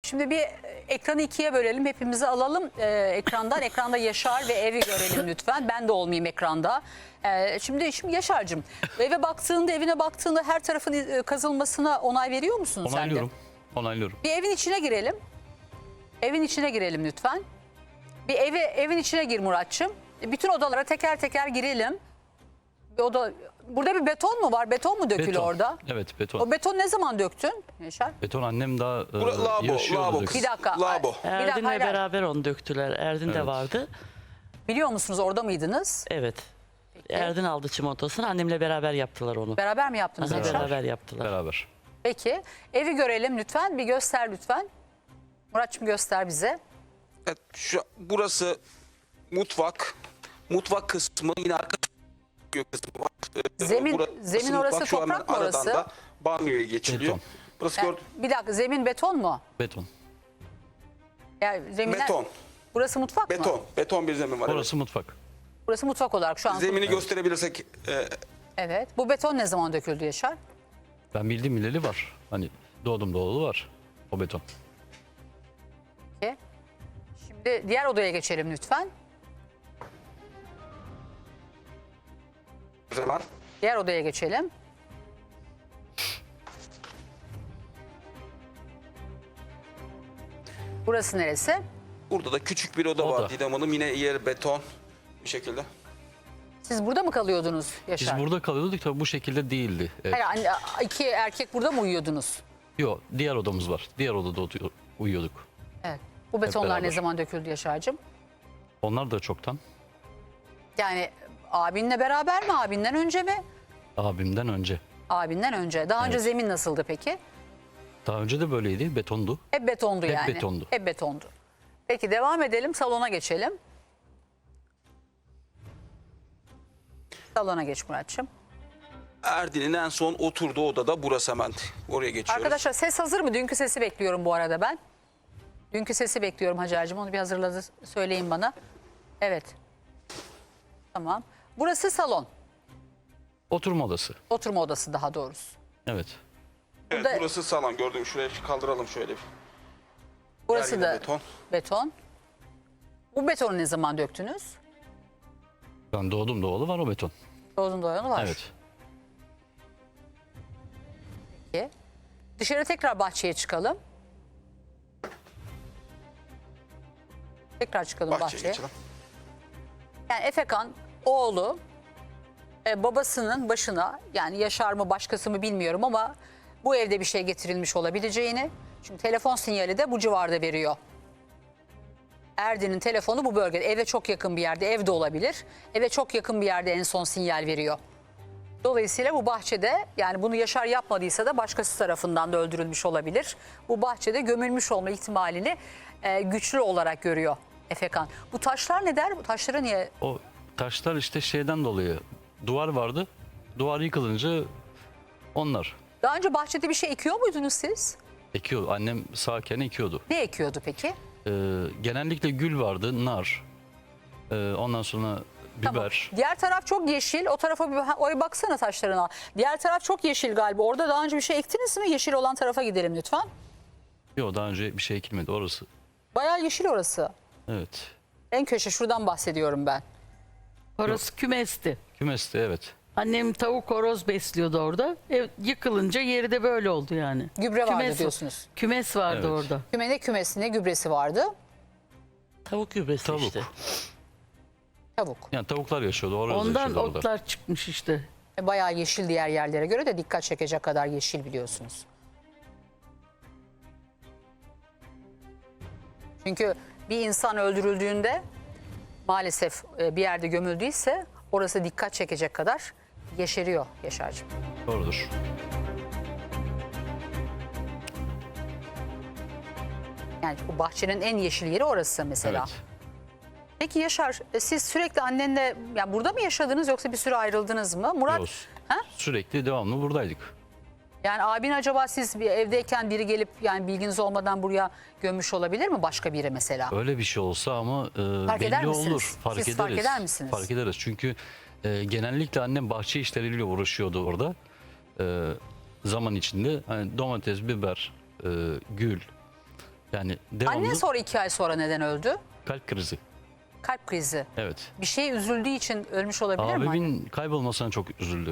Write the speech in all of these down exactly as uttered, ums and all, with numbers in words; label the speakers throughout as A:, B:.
A: Şimdi bir ekranı ikiye bölelim. Hepimizi alalım e, ekrandan. Ekranda Yaşar ve evi görelim lütfen. Ben de olmayayım ekranda. E, şimdi, şimdi Yaşar'cığım eve baktığında, evine baktığında her tarafın e, kazılmasına onay veriyor musun sen de?
B: Onaylıyorum. Onaylıyorum.
A: Bir evin içine girelim. Evin içine girelim lütfen. Bir eve, evin içine gir Muratçım. Bütün odalara teker teker girelim. Bir oda, burada bir beton mu var? Beton mu dökülü
B: Beton.
A: orada?
B: Evet, beton.
A: O beton ne zaman döktün Yaşar?
B: Beton annem daha e,
C: Bura- lavabo,
B: yaşıyordu.
C: lavabo.
B: döküm.
A: Bir dakika.
C: Labo.
A: Bir dakika,
D: Erdin'le
A: hayır, hayır.
D: beraber onu döktüler. Erdin de
B: Evet.
D: vardı.
A: Biliyor musunuz, orada mıydınız?
D: Evet. Erdin aldı çimentasını. Annemle beraber yaptılar onu.
A: Beraber mi yaptınız
D: Aha,
A: Yaşar?
D: beraber yaptılar.
B: Beraber.
A: Peki. Evi görelim lütfen. Bir göster lütfen. Muratçım göster bize.
C: Evet, şu, burası mutfak. Mutfak kısmı yine arka kısmı var. Ee,
A: Zemin-
C: burası
A: zemin orası
C: mutfak, şu hemen
A: toprak mı
C: aradan
A: orası?
C: da banyoya geçiliyor.
B: Beton.
C: Burası
A: Yani,
C: gör-
A: bir dakika, zemin beton mu?
B: Beton.
A: Yani zeminler,
C: beton.
A: Burası mutfak mı?
C: Beton. Beton bir zemin var.
B: Orası mutfak.
A: Burası mutfak olarak şu an.
C: Evet. Zemini gösterebilirsek e,
A: Evet. Bu beton ne zaman döküldü Yaşar?
B: Ben bildiğim bileli var. Hani doğdum doğulu var o beton.
A: Peki. Şimdi diğer odaya geçelim lütfen.
C: o zaman
A: Diğer odaya geçelim. Burası neresi?
C: burada da küçük bir oda,
B: Oda.
C: var Didem Hanım. Yine yer beton bir şekilde.
A: Siz burada mı kalıyordunuz Yaşar?
B: Biz burada kalıyorduk tabii bu şekilde değildi. Evet.
A: Hayır, anne, iki erkek burada mı uyuyordunuz?
B: Yok, diğer odamız var. Diğer odada otu- uyuyorduk.
A: Evet. Bu betonlar ne
B: beraber.
A: zaman döküldü Yaşar'cığım?
B: Onlar da çoktan.
A: Yani abinle beraber mi? Abinden önce mi?
B: Abimden önce.
A: Abinden önce. Daha önce
B: Evet.
A: zemin nasıldı peki?
B: Daha önce de böyleydi. Betondu.
A: Hep betondu
B: Hep
A: yani.
B: betondu.
A: Hep betondu. Peki devam edelim. Salona geçelim. Salona geç Muratçım.
C: Erdin'in en son oturduğu odada burası, hemen oraya geçiyoruz.
A: Arkadaşlar ses hazır mı? Dünkü sesi bekliyorum bu arada ben. Dünkü sesi bekliyorum Hacer'cığım. Onu bir hazırladı. Söyleyin bana. Evet. Tamam. Burası salon.
B: Oturma odası.
A: Oturma odası daha doğrusu.
B: Evet.
C: Evet,
A: burada-
C: burası salon, gördüğüm şuraya kaldıralım şöyle. bir.
A: Burası
C: Yer yine
A: da
C: beton.
A: beton. Bu betonu ne zaman döktünüz?
B: Ben doğdum doğulu var o beton.
A: Doğdun doyanı var.
B: Evet.
A: Peki. Dışarı tekrar bahçeye çıkalım. Tekrar çıkalım bahçeye.
C: Bahçeye geçelim.
A: Yani Efekan oğlu e, babasının başına, yani Yaşar mı başkası mı bilmiyorum ama bu evde bir şey getirilmiş olabileceğini, çünkü telefon sinyali de bu civarda veriyor. Erdin'in telefonu bu bölgede, eve çok yakın bir yerde, evde olabilir. Eve çok yakın bir yerde en son sinyal veriyor. Dolayısıyla bu bahçede, yani bunu Yaşar yapmadıysa da başkası tarafından da öldürülmüş olabilir. Bu bahçede gömülmüş olma ihtimalini e, güçlü olarak görüyor Efekan. Bu taşlar ne der? Bu taşları niye?
B: O taşlar işte şeyden dolayı. Duvar vardı. Duvar yıkılınca onlar
A: Daha önce bahçede bir şey ekiyor muydunuz siz?
B: ekiyor. Annem sağken ekiyordu.
A: Ne ekiyordu peki?
B: Ee, genellikle gül vardı, nar. Ee, ondan sonra biber.
A: Tamam. Diğer taraf çok yeşil. O tarafa bir ha, oraya baksana taşlarına. Diğer taraf çok yeşil galiba. Orada daha önce bir şey ektiniz mi? Yeşil olan tarafa gidelim lütfen.
B: Yok, daha önce bir şey ekilmedi orası.
A: Bayağı yeşil orası.
B: Evet.
A: En köşe, şuradan bahsediyorum ben.
D: Orası kümesti.
B: Kümeste evet.
D: Annem tavuk horoz besliyordu orada. Ev yıkılınca yeri de böyle oldu yani.
A: Gübre vardı
D: Kümes-
A: diyorsunuz.
D: Kümes vardı
B: Evet.
D: orada.
A: Kümene kümesine gübresi vardı.
D: Tavuk gübresi
B: Tavuk.
D: işte.
A: Tavuk.
B: Yani tavuklar yaşıyordu. Orada
D: Ondan
B: yaşıyordu orada.
D: otlar çıkmış işte.
A: E, Bayağı yeşil, diğer yerlere göre de dikkat çekecek kadar yeşil biliyorsunuz. Çünkü bir insan öldürüldüğünde maalesef e, bir yerde gömüldüyse orası dikkat çekecek kadar yeşeriyor Yaşar'cığım.
B: Doğrudur.
A: Yani bu bahçenin en yeşil yeri orası mesela.
B: Evet.
A: Peki Yaşar, e, siz sürekli annenle, yani burada mı yaşadınız yoksa bir süre ayrıldınız mı? Murat,
B: Yok,
A: ha?
B: sürekli devamlı buradaydık.
A: Yani abin acaba siz bir evdeyken biri gelip, yani bilginiz olmadan buraya gömmüş olabilir mi başka biri mesela?
B: Öyle bir şey olsa ama e,
A: Fark eder
B: belli
A: misiniz?
B: olur. Fark
A: Siz
B: ederiz.
A: fark eder misiniz?
B: Fark ederiz. Çünkü e, genellikle annem bahçe işleriyle uğraşıyordu orada. E, zaman içinde hani domates, biber, e, gül, Yani devamlı
A: Annen sonra iki ay sonra neden öldü?
B: kalp krizi.
A: Kalp krizi.
B: Evet.
A: Bir şeye üzüldüğü için ölmüş olabilir mi? anne?
B: Abimin kaybolmasına çok üzüldü.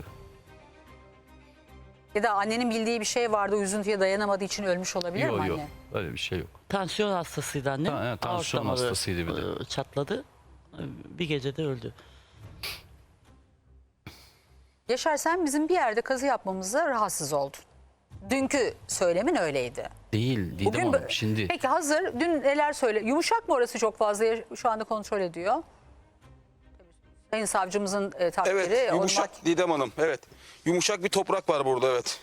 A: Ya da annenin bildiği bir şey vardı, o üzüntüye dayanamadığı için ölmüş olabilir mi
B: Yok
A: anne?
B: yok. Öyle bir şey yok.
D: Tansiyon hastasıydı annem.
B: Ha, evet, tansiyon
D: Aort damarı,
B: hastasıydı bir de.
D: e, Çatladı. E, Bir gecede öldü.
A: Yaşar, sen bizim bir yerde kazı yapmamıza rahatsız oldun. Dünkü söylemin öyleydi.
B: Değil Didem
A: Bugün
B: Hanım
A: bö-
B: şimdi.
A: Peki hazır dün neler söyle? Yumuşak mı orası çok fazla ya- şu anda kontrol ediyor? Sayın savcımızın e, takdiri.
C: Evet,
A: o
C: yumuşak
A: mak-
C: Didem Hanım. Evet. Yumuşak bir toprak var burada, evet.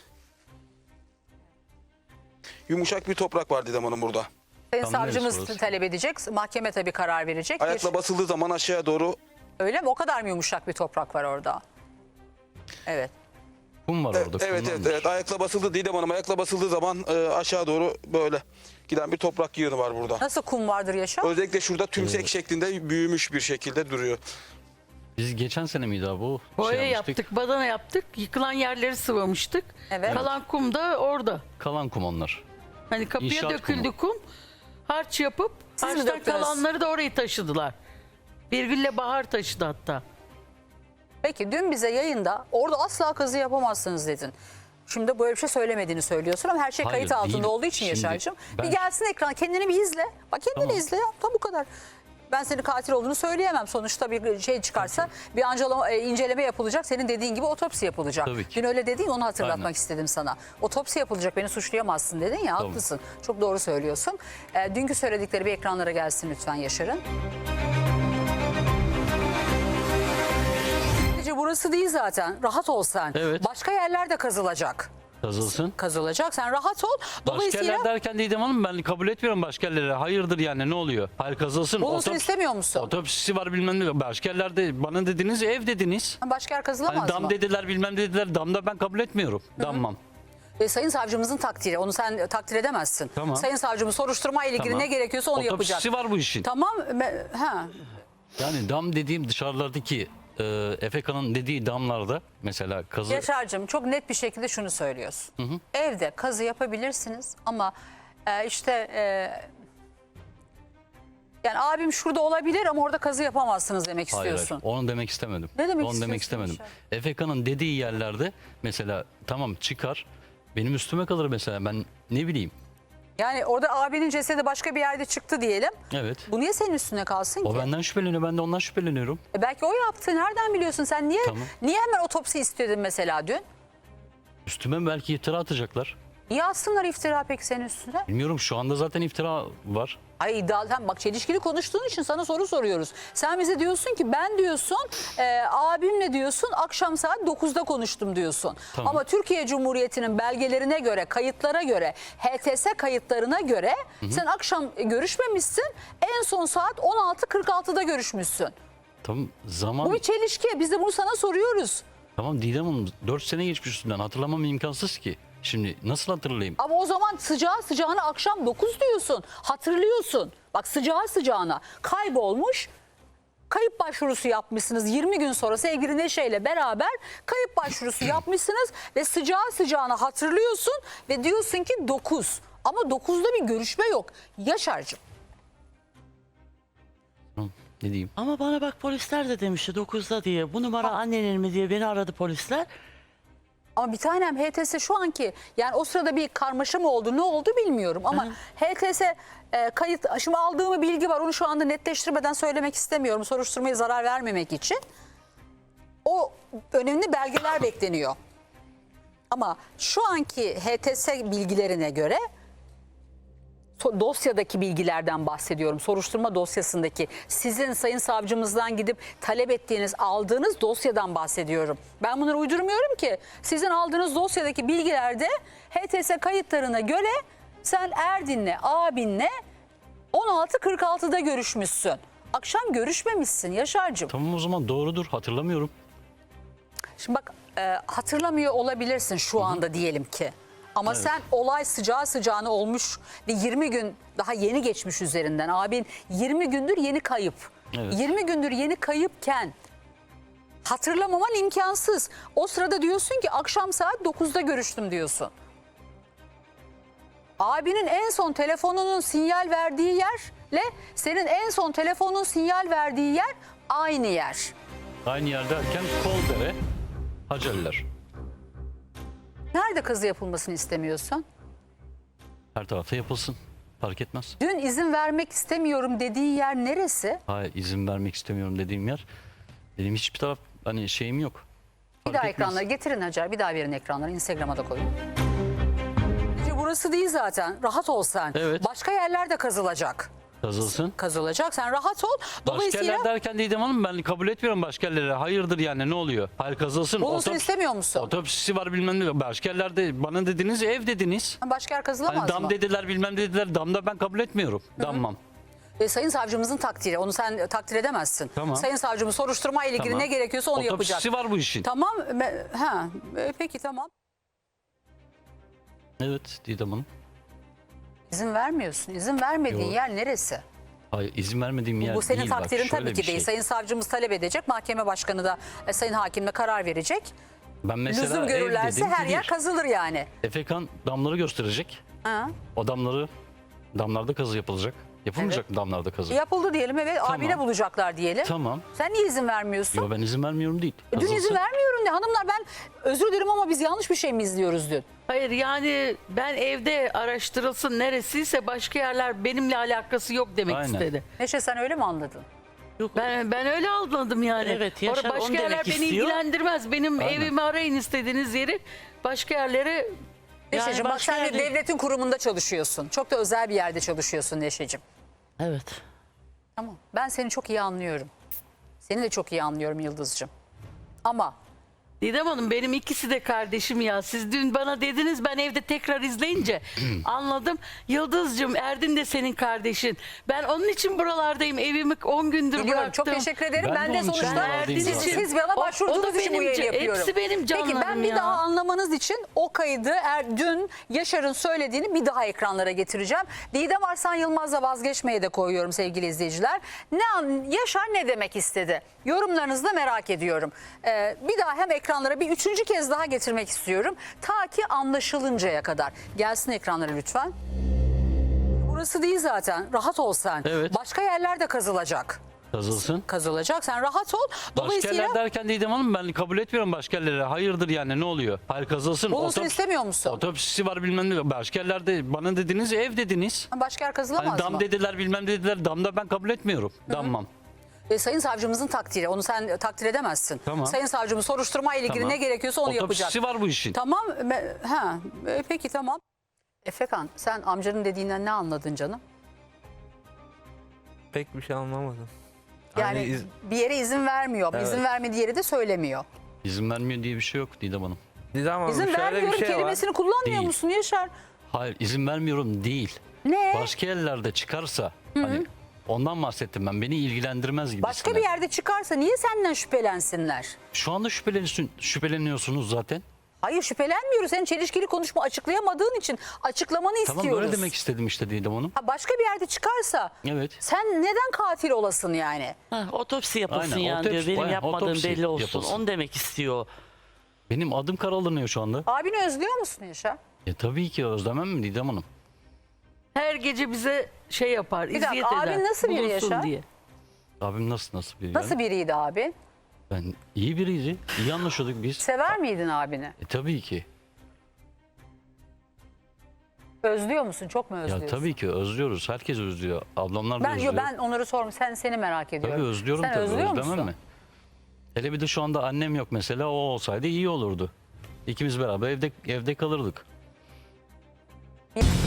C: Yumuşak bir toprak var Didem Hanım burada.
A: Sayın
B: Tam
A: savcımız
B: neresi orası?
A: talep edecek. Mahkeme tabii karar verecek. Bir-
C: Ayakla basıldığı zaman aşağıya doğru,
A: Öyle mi? O kadar mı yumuşak bir toprak var orada? Evet.
B: Kum var
C: evet
B: orada.
C: evet,
B: kumdan
C: evet,
B: var.
C: evet ayakla basıldı Didem Hanım. Ayakla basıldığı zaman e, aşağı doğru böyle giden bir toprak yığını var burada.
A: Nasıl kum vardır Yaşar?
C: Özellikle şurada tümsek şeklinde büyümüş bir şekilde duruyor.
B: Biz geçen sene miydi abi bu?
D: Boya
B: Şey yapmıştık.
D: yaptık, badana yaptık. Yıkılan yerleri sıvamıştık.
A: Evet.
D: Kalan kum da orada.
B: Kalan kum onlar.
D: Hani kapıya
B: İnşaat
D: döküldü kum. Harç yapıp
A: Siz mi
D: harçtan
A: döktünüz?
D: kalanları da orayı taşıdılar. Birgül'le Bahar taşıdı hatta.
A: Peki dün bize yayında orada asla kazı yapamazsınız dedin. Şimdi böyle bir şey söylemediğini söylüyorsun ama her şey
B: Hayır,
A: kayıt altında
B: değil.
A: olduğu için
B: Şimdi
A: Yaşar'cığım.
B: ben-
A: Bir gelsin ekran, kendini bir izle. Bak kendini
B: Tamam.
A: izle ya. Tam bu kadar. Ben senin katil olduğunu söyleyemem. Sonuçta bir şey çıkarsa bir ancalama, e, inceleme yapılacak. Senin dediğin gibi otopsi yapılacak.
B: Tabii ki.
A: Dün öyle dediğin, onu hatırlatmak
B: Aynen.
A: istedim sana. Otopsi yapılacak, beni suçlayamazsın dedin ya,
B: Tamam.
A: haklısın. Çok doğru söylüyorsun. E, dünkü söyledikleri bir ekranlara gelsin lütfen Yaşar'ın. Sadece burası değil zaten. Rahat ol sen.
B: Evet.
A: Başka yerler de kazılacak.
B: Kazılsın.
A: Kazılacak. Sen rahat ol.
B: Başka
A: Dolayısıyla
B: yerler derken Didem Hanım ben kabul etmiyorum başka yerlere. Hayırdır yani ne oluyor? Hayır kazılsın.
A: bulunsun
B: Otop-
A: istemiyor musun?
B: Otopsisi var bilmem ne. Başka yerlerde bana dediniz ev dediniz.
A: Başka yer kazılamaz
B: Hani dam
A: mı?
B: dediler bilmem dediler. Damda ben kabul etmiyorum. Dammam.
A: E, Sayın savcımızın takdiri. Onu sen takdir edemezsin.
B: Tamam.
A: Sayın savcımız soruşturma ile ilgili
B: Tamam.
A: ne gerekiyorsa onu
B: Otopsisi
A: yapacak.
B: var bu işin.
A: Tamam. me- Ha.
B: Yani dam dediğim dışarılardaki e, Efeka'nın dediği damlarda mesela kazı.
A: Yaşar'cığım çok net bir şekilde şunu söylüyorsun. Evde kazı yapabilirsiniz ama e, işte e, yani abim şurada olabilir ama orada kazı yapamazsınız demek
B: Hayır, hayır,
A: istiyorsun.
B: onu demek istemedim.
A: Ne demek
B: Onu demek
A: istiyorsun
B: istemedim. Efeka'nın dediği yerlerde mesela tamam çıkar benim üstüme kalır mesela ben ne bileyim.
A: Yani orada abinin cesedi başka bir yerde çıktı diyelim.
B: Evet.
A: Bu niye senin üstüne kalsın
B: O
A: ki?
B: benden şüpheleniyor ben de ondan şüpheleniyorum.
A: E belki o yaptı. Nereden biliyorsun sen? Niye
B: Tamam.
A: niye hemen otopsi istedin mesela dün?
B: Üstüme belki iftira atacaklar.
A: Niye atsınlar iftira peki senin üstüne?
B: Bilmiyorum şu anda zaten iftira var.
A: Ay iddialı. Hem bak çelişkili konuştuğun için sana soru soruyoruz. Sen bize diyorsun ki ben diyorsun e, abimle diyorsun akşam saat dokuzda konuştum diyorsun.
B: Tamam.
A: Ama Türkiye Cumhuriyeti'nin belgelerine göre, kayıtlara göre, H T S kayıtlarına göre sen akşam görüşmemişsin. En son saat on altı kırk altıda görüşmüşsün.
B: Tamam zaman
A: Bu bir çelişki. Biz de bunu sana soruyoruz.
B: tamam Didem Hanım dört sene geçmiş üstünden hatırlamam imkansız ki. Şimdi nasıl hatırlayayım?
A: Ama o zaman sıcağı sıcağına akşam dokuz diyorsun. Hatırlıyorsun. Bak sıcağı sıcağına kaybolmuş. Kayıp başvurusu yapmışsınız. yirmi gün sonra sevgili Neşe ile beraber kayıp başvurusu yapmışsınız. Ve sıcağı sıcağına hatırlıyorsun. Ve diyorsun ki dokuz. Ama dokuzda bir görüşme yok. Yaşar'cığım.
B: Tamam, ne diyeyim?
D: Ama bana bak polisler de demişti dokuzda diye. Bu numara annenin mi diye beni aradı polisler.
A: Ama bir tanem H T S şu anki yani o sırada bir karmaşa mı oldu ne oldu bilmiyorum ama H T S e, kayıt şimdi aldığım bilgi var onu şu anda netleştirmeden söylemek istemiyorum soruşturmaya zarar vermemek için. O önemli belgeler bekleniyor. Ama şu anki H T S bilgilerine göre so- dosyadaki bilgilerden bahsediyorum. Soruşturma dosyasındaki sizin sayın savcımızdan gidip talep ettiğiniz, aldığınız dosyadan bahsediyorum. Ben bunları uydurmuyorum ki. Sizin aldığınız dosyadaki bilgilerde H T S kayıtlarına göre sen Erdin'le, abinle on altı kırk altıda görüşmüşsün. Akşam görüşmemişsin Yaşar'cığım.
B: Tamam o zaman doğrudur hatırlamıyorum.
A: Şimdi bak e, hatırlamıyor olabilirsin şu anda diyelim ki. Ama sen olay sıcağı sıcağına olmuş ve yirmi gün daha yeni geçmiş üzerinden. Abin yirmi gündür yeni kayıp.
B: Evet.
A: yirmi gündür yeni kayıpken hatırlamaman imkansız. O sırada diyorsun ki akşam saat dokuzda görüştüm diyorsun. Abinin en son telefonunun sinyal verdiği yerle senin en son telefonun sinyal verdiği yer aynı yer.
B: Aynı yer derken Koldere, Hacerler.
A: Nerede kazı yapılmasını istemiyorsun?
B: Her tarafta yapılsın. Fark etmez.
A: Dün izin vermek istemiyorum dediği yer neresi?
B: Hayır, izin vermek istemiyorum dediğim yer. Benim hiçbir taraf hani şeyim yok.
A: Bir
B: Fark
A: daha
B: etmez.
A: ekranları getirin Hacer. Bir daha verin ekranları. Instagram'a da koyun. İşte burası değil zaten. Rahat ol sen.
B: Evet.
A: Başka yerler de kazılacak.
B: Kazılsın.
A: Kazılacak. Sen rahat ol.
B: Başka
A: Dolayısıyla
B: yerler derken Didem Hanım ben kabul etmiyorum başka yerlere. Hayırdır yani ne oluyor? Hayır kazılsın.
A: bulunsun
B: Otop-
A: istemiyor musun?
B: Otopsisi var bilmem ne. Başka yerlerde bana dediniz ev dediniz.
A: Başka yer kazılamaz
B: Hani dam
A: mı?
B: dediler bilmem dediler. Damda ben kabul etmiyorum. Dammam.
A: E, Sayın savcımızın takdiri. Onu sen takdir edemezsin.
B: Tamam.
A: Sayın savcımız soruşturma ile ilgili
B: Tamam.
A: ne gerekiyorsa onu
B: Otopsisi
A: yapacak.
B: var bu işin.
A: Tamam. me- Ha. e, Peki tamam.
B: Evet Didem Hanım.
A: İzin vermiyorsun. İzin vermediğin
B: Yok.
A: yer neresi?
B: Hayır izin vermediğim yer
A: Bu senin
B: değil. Bak,
A: takdirin
B: şöyle
A: tabii
B: bir
A: ki değil.
B: şey.
A: Sayın savcımız talep edecek. Mahkeme başkanı da e, sayın hakimle karar verecek.
B: Ben mesela
A: Lüzum
B: ev
A: görürlerse
B: dedim,
A: her yer
B: değil.
A: kazılır yani.
B: Efekan damları gösterecek.
A: Ha.
B: O damları damlarda kazı yapılacak. Yapılmayacak mı damlarda kazı?
A: Yapıldı diyelim, evet.
B: Tamam.
A: Abine bulacaklar diyelim.
B: Tamam.
A: Sen niye izin vermiyorsun?
B: Yo ben izin vermiyorum değil.
A: E, Dün izin
B: Kazılsın.
A: vermiyorum de hanımlar, ben özür dilerim ama biz yanlış bir şey mi izliyoruz dün?
D: Hayır yani ben evde araştırılsın neresiyse başka yerler benimle alakası yok demek
B: Aynen.
D: istedi.
A: Neşe sen öyle mi anladın?
D: Ben ben öyle anladım yani.
E: Evet, Yaşar
D: Orada başka
E: onu demek
D: yerler beni
E: istiyor.
D: ilgilendirmez. Benim
B: Aynen.
D: evimi arayın istediğiniz yeri. Başka yerlere
A: Neşeciğim bak
E: başka
A: sen bir
E: yerde-
A: devletin kurumunda çalışıyorsun. Çok da özel bir yerde çalışıyorsun Neşeciğim.
E: Evet.
A: Tamam. Ben seni çok iyi anlıyorum. Seni de çok iyi anlıyorum Yıldız'cığım. Ama
D: Didem Hanım benim ikisi de kardeşim ya. Siz dün bana dediniz, ben evde tekrar izleyince anladım. Yıldız'cığım Erdin de senin kardeşin. Ben onun için buralardayım. Evimi on gündür
A: biliyorum,
D: bıraktım.
A: çok teşekkür ederim.
B: Ben
A: Ben,
B: de
A: de
B: onun için
A: sonuçta
B: buradayım
A: siz,
B: zaten.
A: siz bana
D: O- o da
A: başvurduğunuz için bu
D: benim
A: yayını
D: ca-
A: yapıyorum.
D: hepsi benim
A: Peki ben
D: canlarım
A: bir
D: ya.
A: daha anlamanız için o kaydı er, dün Yaşar'ın söylediğini bir daha ekranlara getireceğim. Didem Arslan Yılmaz'la vazgeçmeye de koyuyorum sevgili izleyiciler. Ne an- Yaşar ne demek istedi? Yorumlarınızı da merak ediyorum. Ee, bir daha hem ekranlara bir üçüncü kez daha getirmek istiyorum. Ta ki anlaşılıncaya kadar. Gelsin ekranlara lütfen. Burası değil zaten. Rahat ol sen.
B: Evet.
A: Başka yerler de kazılacak.
B: Kazılsın.
A: Kazılacak. Sen rahat ol.
B: Başka
A: Dolayısıyla
B: yerler derken Didem Hanım ben kabul etmiyorum başka yerlere. Hayırdır yani ne oluyor? Hayır kazılsın.
A: bulunsun
B: Otop-
A: istemiyor musun?
B: Otopsisi var bilmem ne. Başka yerlerde bana dediniz ev dediniz.
A: Başka yer kazılamaz
B: Hani dam
A: mı?
B: dediler bilmem dediler. Damda ben kabul etmiyorum. Dammam.
A: E, sayın savcımızın takdiri. Onu sen takdir edemezsin.
B: Tamam.
A: Sayın savcımız soruşturma ile ilgili
B: Tamam.
A: ne gerekiyorsa onu
B: Otopsisi
A: yapacak.
B: var bu işin.
A: Tamam. me- Ha. e, peki tamam. Efekan sen amcanın dediğinden ne anladın canım?
F: Pek bir şey anlamadım.
A: Yani
F: Hani iz-
A: bir yere izin vermiyor.
F: Evet.
A: İzin vermediği yeri de söylemiyor.
B: İzin vermiyor diye bir şey yok Didem Hanım.
F: Didem Hanım
A: İzin
F: şöyle
A: vermiyorum
F: bir şey var.
A: kelimesini kullanmıyor
B: Değil.
A: musun Yaşar?
B: Hayır izin vermiyorum değil.
A: Ne?
B: Başka yerlerde çıkarsa hani ondan bahsettim ben. Beni ilgilendirmez gibi.
A: Başka bir yerde çıkarsa niye senden şüphelensinler?
B: Şu anda şüpheleniyorsun, şüpheleniyorsunuz zaten.
A: Hayır şüphelenmiyoruz. Senin çelişkili konuşma açıklayamadığın için açıklamanı
B: Tamam
A: istiyoruz.
B: böyle demek istedim işte Didem Hanım.
A: Ha, başka bir yerde çıkarsa
B: Evet.
A: sen neden katil olasın yani?
E: Ha, otopsi yapılsın
B: Aynen,
E: yani diyor.
B: otopsi-
E: Benim
B: aynen,
E: yapmadığım
B: otopsi
E: belli olsun.
B: yapılsın.
E: Onu demek istiyor.
B: Benim adım karalanıyor şu anda.
A: Abini özlüyor musun Yaşar?
B: E tabii ki özlemem mi Didem Hanım?
D: Her gece bize şey yapar,
A: dakika,
D: eziyet eder.
A: abin nasıl biri
D: bulunsun
A: Yaşar?
D: diye.
B: Abim nasıl nasıl biri?
A: Nasıl
B: yani?
A: biriydi abin?
B: Ben iyi biriydi. İyi anlaşıyorduk biz.
A: Sever miydin abini?
B: E tabii ki.
A: Özlüyor musun? Çok mu özlüyorsun?
B: Ya tabii ki özlüyoruz. Herkes özlüyor. Ablamlar da
A: Ben, yo,
B: özlüyor.
A: ben onları sormuyorum. Sen seni merak ediyorum.
B: Tabii özlüyorum
A: Sen
B: tabii.
A: özlüyor
B: Özlemem
A: musun?
B: mi? Hele bir de şu anda annem yok mesela. O olsaydı iyi olurdu. İkimiz beraber evde evde kalırdık.